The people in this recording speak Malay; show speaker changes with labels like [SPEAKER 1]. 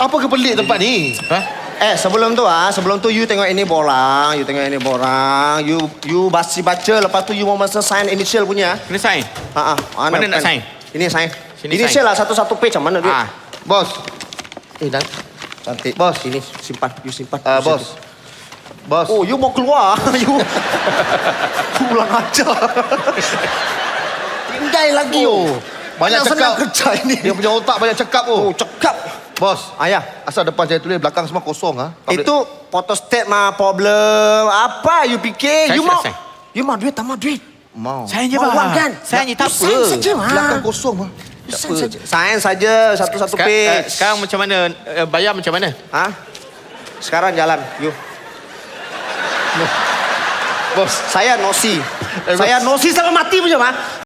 [SPEAKER 1] Apa kepelik tempat ni?
[SPEAKER 2] Sebelum tu you tengok ini borang, you baca, lepas tu you mau masa sign initial punya.
[SPEAKER 3] Kena sign?
[SPEAKER 2] Mana
[SPEAKER 3] nak sign?
[SPEAKER 2] Ini sign.
[SPEAKER 3] Sini
[SPEAKER 2] Initial
[SPEAKER 3] sign.
[SPEAKER 2] lah satu-satu page mana duit?
[SPEAKER 1] Bos.
[SPEAKER 2] Dan cantik.
[SPEAKER 1] Bos.
[SPEAKER 2] Ini simpan, you simpan.
[SPEAKER 1] Bos. Bos.
[SPEAKER 2] Oh, you mau keluar? You pulang aja. Tinggal lagi
[SPEAKER 1] Banyak cakap.
[SPEAKER 2] senang kerja ini.
[SPEAKER 1] Dia punya otak banyak cakap
[SPEAKER 2] Cakap.
[SPEAKER 1] Bos.
[SPEAKER 2] Ayah.
[SPEAKER 1] Asal depan saya tulis, belakang semua kosong
[SPEAKER 2] Itu photostat mah problem. Apa you fikir?
[SPEAKER 3] Sign,
[SPEAKER 2] You mau?
[SPEAKER 3] sign.
[SPEAKER 2] You mau duit, tak mau duit?
[SPEAKER 1] Mau.
[SPEAKER 3] Sign je,
[SPEAKER 2] Mau
[SPEAKER 3] bang.
[SPEAKER 2] uang kan?
[SPEAKER 3] Sign je, tak apa.
[SPEAKER 2] Sign saja, mah.
[SPEAKER 1] Belakang kosong
[SPEAKER 2] Sign saja. Sign saja satu-satu
[SPEAKER 3] Sekarang,
[SPEAKER 2] page.
[SPEAKER 3] sekarang macam mana? Bayar macam mana?
[SPEAKER 2] Sekarang jalan, you.
[SPEAKER 1] Bos.
[SPEAKER 2] Saya nosi. Saya nosi sampai mati punya, mah.